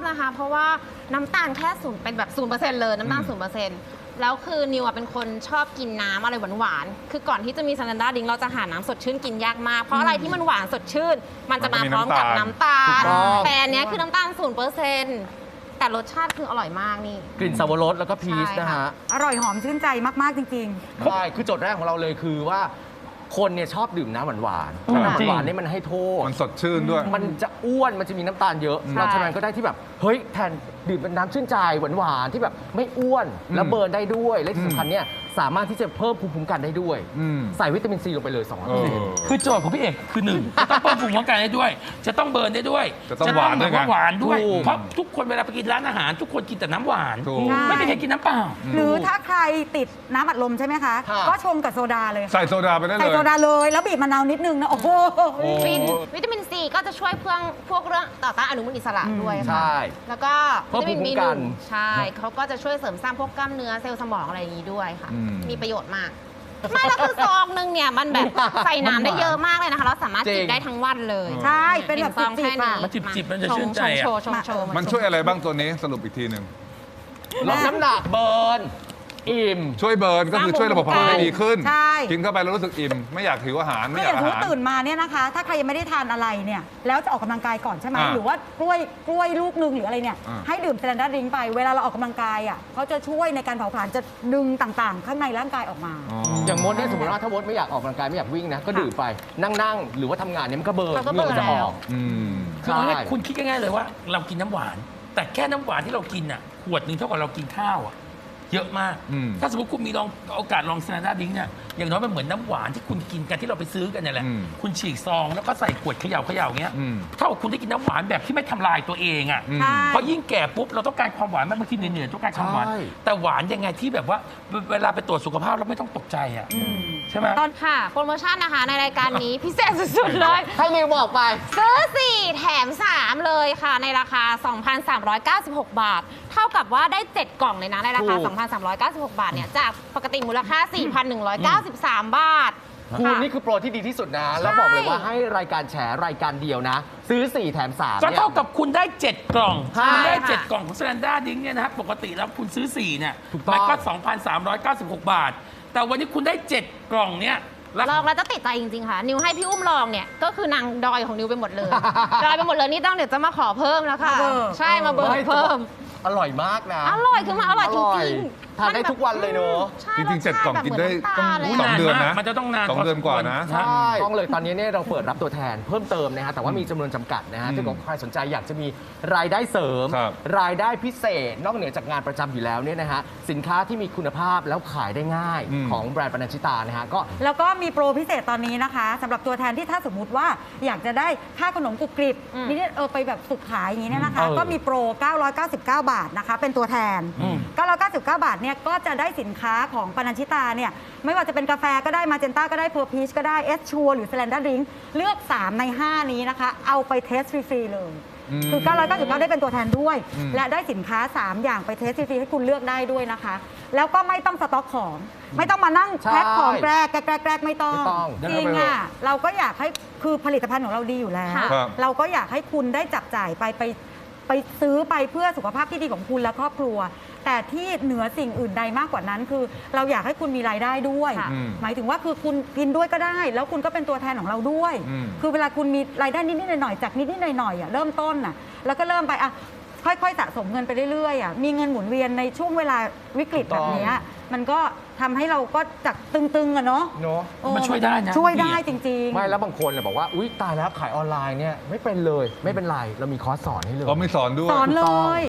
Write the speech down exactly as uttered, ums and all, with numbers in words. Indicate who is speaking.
Speaker 1: นะคะเพราะว่าน้ำตาลแค่ศูนย์เป็นแบบศูนย์เปอร์เซ็นต์เลยน้ำตาลศูนย์เปอร์เซ็นต์แล้วคือนิวเป็นคนชอบกินน้ำอะไรหวานๆคือก่อนที่จะมีซันดาดิงเราจะหาน้ำสดชื่นกินยากมากเพราะอะไรที่มันหวานสดชื่นมันจะมาพร้อมกับน้ำตาลแต่อันนี้คือน้ำตาลศูนย์เปอร์เซ็นต์แต่รสชาติคืออร่อยมากนี่
Speaker 2: กลิ่นสับปะรดแล้วก็พีชนะฮะ
Speaker 3: อร่อยหอมชื่นใจมากๆจริง
Speaker 2: ๆใช่คือโจทย์แรกของเราเลยคือว่าคนเนี่ยชอบดื่มน้ำหวานๆน้ำหวานนี่มันให้โทษ
Speaker 4: มันสดชื่นด้วย
Speaker 2: มันจะอ้วนมันจะมีน้ำตาลเยอะเราฉะนั้นก็ได้ที่แบบเฮ้ยแทนดื่มเป็นน้ำชื่นใจหวานๆที่แบบไม่อ้วนแล้วเบิร์นได้ด้วยและที่สำคัญเนี่ยสามารถที่จะเพิ่มภูมิคุ้มกันได้ด้วยใส่วิตามินซีลงไปเลยสองร้อยเปอร์เซ็นต์
Speaker 5: คือโจทย์ของพี่เอกคือหนึ่งจะต้องเพิ่มภูมิคุ้มกันได้ด้วยจะต้องเบิร์นได้ด้วย
Speaker 4: จะต้องหวานด้วย
Speaker 5: หวานด้วยเพราะทุกคนเวลาไปกินร้านอาหารทุกคนกินแต่น้ำหวานไม่มีใครกินน้ำเปล่า
Speaker 3: หรือถ้าใครติดน้ำอัดลมใช่ไหมคะก็ชงกับโซดาเลย
Speaker 4: ใส่โซดาไปได้เลย
Speaker 3: ใส่โซดาเลยแล้วบีบมะนาวนิดนึงนะโอ้โห
Speaker 1: วิตามินซีก็จะช่วยเพื่อพวกเรื่องต่อต้านอนุมูลอิสระด้วยค่ะแล้วก็วิตามินบีหนึ่งใช่เขาก็จะช่วยเสริมสร้างพวกกล้ามเนื้อเซลล์สมองอะไรอย่างนี้ด้วยค่ะมีประโยชน์มากไม่แล้วคือซองนึงเนี่ยมันแบบใส่น้ำได้เยอะมากเลยนะคะเราสามารถจิบได้ทั้งวันเลย
Speaker 3: ใช่เป็นแบบซองแค่นี้
Speaker 5: มันจิบๆมันจะชื่นใจอ่ะ
Speaker 4: มันช่วยอะไรบ้างตัวนี้สรุปอีกทีหนึ่ง
Speaker 2: ลดน้ำหนักเบิร์นอิ่ม
Speaker 4: ช่วยเบิร์นก็คือช่วยระบบเผาผลาญดีขึ้นกินเข้าไปแล้วรู้สึกอิ่มไม่อยากหิวอาหารไม่อยากอาหาร
Speaker 3: ตื่นมาเนี่ยนะคะถ้าใครยังไม่ได้ทานอะไรเนี่ยแล้วจะออกกำลังกายก่อนใช่ไหมหรือว่ากล้วยกล้วยลูกนึงหรืออะไรเนี่ยให้ดื่มสแตนดาร์ดดริงก์ไปเวลาเราออกกำลังกายอ่ะเขาจะช่วยในการเผาผลาญจะดึงต่างๆ ข้างในร่างกายออกมา
Speaker 2: อย่างมดเนี่ยสมมติว่าถ้ามดไม่อยากออกกำลังกายไม่อยากวิ่งนะก็ดื่มไปนั่งๆหรือว่าทำงานเนี่ยมันก็เบิร์นเงินจะออก
Speaker 5: คือคุณคิดง่ายๆเลยว่าเรากินน้ำหวานแต่แค่น้ำหวานที่เรากินอ่ะขวดหนึ่งเท่ากับเรากินข้าวอ่ะเยอะมากถ้าสมมติคุณมีลองโอกาสลองสแตนดาร์ดดริงก์เนี่ยอย่างน้อยมันเหมือนน้ำหวานที่คุณกินกันที่เราไปซื้อกันเนี่ยแหละคุณฉีกซองแล้วก็ใส่ขวดเขย่าเขย่าเงี้ยเท่ากับคุณได้กินน้ำหวานแบบที่ไม่ทำลายตัวเองอ่ะเพราะยิ่งแก่ปุ๊บเราต้องการความหวานบางทีเหนื่อยๆต้องการความหวานแต่หวานยังไงที่แบบว่าเวลาไปตรวจสุขภาพเราไม่ต้องตกใจอ่ะใช่ไหม
Speaker 1: ตอนค่ะโปรโมชั่นนะคะในรายการนี้พิเศษสุดๆเลย
Speaker 2: ให้นิวบอกไป
Speaker 1: ซื้อสี่แถมสามเลยค่ะในราคา สองพันสามร้อยเก้าสิบหก บาทเท่ากับว่าได้เจ็ดกล่องเลยนะในราคา สองพันสามร้อยเก้าสิบหก บาทเนี่ยจากปกติมูลค่า สี่พันหนึ่งร้อยเก้าสิบสาม บาท
Speaker 2: คุณนี่คือโปรที่ดีที่สุดนะแล้วบอกเลยว่าให้รายการแฉรายการเดียวนะซื้อสี่แถมสาม
Speaker 5: ก็เท่ากับคุณได้เจ็ดกล่องคุณได้เจ็ดกล่องของสแตนดาร์ดดริงก์เนี่ยนะครับปกติแล้วคุณซื้อสี่เนี่ยมันก็ สองพันสามร้อยเก้าสิบหก บาทแต่วันนี้คุณได้เจ็ดกล่องเนี่ย
Speaker 1: ลองแล้วจะติดใจจริงๆค่ะนิวให้พี่อุ้มลองเนี่ยก็คือนางดอยของนิวไปหมดเลยดอยไปหมดเลยนี่ต้องเดี๋ยวจะมาขอเพิ่มแล้วค่ะใช่มาเบิร์เพิ่ม
Speaker 2: อร่อยมากนะ
Speaker 1: อร่อยคือมันอร่อยจริงๆ
Speaker 2: ทานได้ทุกวันเลยเนอะ
Speaker 4: จริงๆเจ็ดกล่องกินได้ต้องสองเดือนนะ
Speaker 5: มันจะต้องนาน
Speaker 4: สองเดือนกว่านะ
Speaker 2: ใช่ต้องเลยตอนนี้เนี่ยเราเปิดรับตัวแทนเพิ่มเติมนะฮะแต่ว่ามีจำนวนจำกัดนะฮะถ้าใครสนใจอยากจะมีรายได้เสริมรายได้พิเศษนอกเหนือจากงานประจำอยู่แล้วเนี่ยนะฮะสินค้าที่มีคุณภาพแล้วขายได้ง่ายของแบรนด์ปนัญชิตานะฮะก็
Speaker 3: แล้วก็มีโปรพิเศษตอนนี้นะคะสำหรับตัวแทนที่ถ้าสมมติว่าอยากจะได้ค่าขนมกรุบกริบนี่เออไปแบบสุดขายอย่างนี้เนี่ยนะคะก็มีโปรเก้าร้อยเก้าสิบเก้า บาทนะคะเป็นตัวแทนเก้าร้อยเก้าสิบเก้า บาทเนี่ยก็จะได้สินค้าของปนัญชิตาเนี่ยไม่ว่าจะเป็นกาแฟก็ได้มาเจนต้าก็ได้เพอร์พีชก็ได้เอสชัวหรือสแตนดาร์ดดริงก์เลือกสามในห้านี้นะคะเอาไปเทสฟรีๆเลยคือเก้าร้อยเก้าสิบเก้าได้เป็นตัวแทนด้วยและได้สินค้าสามอย่างไปเทสฟรีๆให้คุณเลือกได้ด้วยนะคะแล้วก็ไม่ต้องสต็อกของไม่ต้องมานั่งแพ็คของแกรกแกรกแกรกไม่ต้องจริงอ่ะเราก็อยากให้คือผลิตภัณฑ์ของเราดีอยู่แล้วเราก็อยากให้คุณได้จับจ่ายไปไปไปซื้อไปเพื่อสุขภาพที่ดีของคุณและครอบครัวแต่ที่เหนือสิ่งอื่นใดมากกว่านั้นคือเราอยากให้คุณมีรายได้ด้วยหมายถึงว่าคือคุณกินด้วยก็ได้แล้วคุณก็เป็นตัวแทนของเราด้วยคือเวลาคุณมีรายได้นิดๆหน่อยๆจากนิดๆหน่อยๆอ่ะเริ่มต้นอ่ะแล้วก็เริ่มไปอ่ะค่อยๆสะสมเงินไปเรื่อยๆอ่ะมีเงินหมุนเวียนในช่วงเวลาวิกฤตแบบนี้มันก็ทำให้เราก็จากตึงๆอะเนาะ
Speaker 5: มันช่วยได้นะ
Speaker 3: ช่วยได้จริงๆ
Speaker 2: ไม่แล้วบางคนบอกว่าอุ๊ยตายแล้วขายออนไลน์เนี่ยไม่เป็นเลยไม่เป็นไรเรามีคอร์สสอนให้เลย
Speaker 4: เขาไม่สอนด้วย
Speaker 3: สอนเลย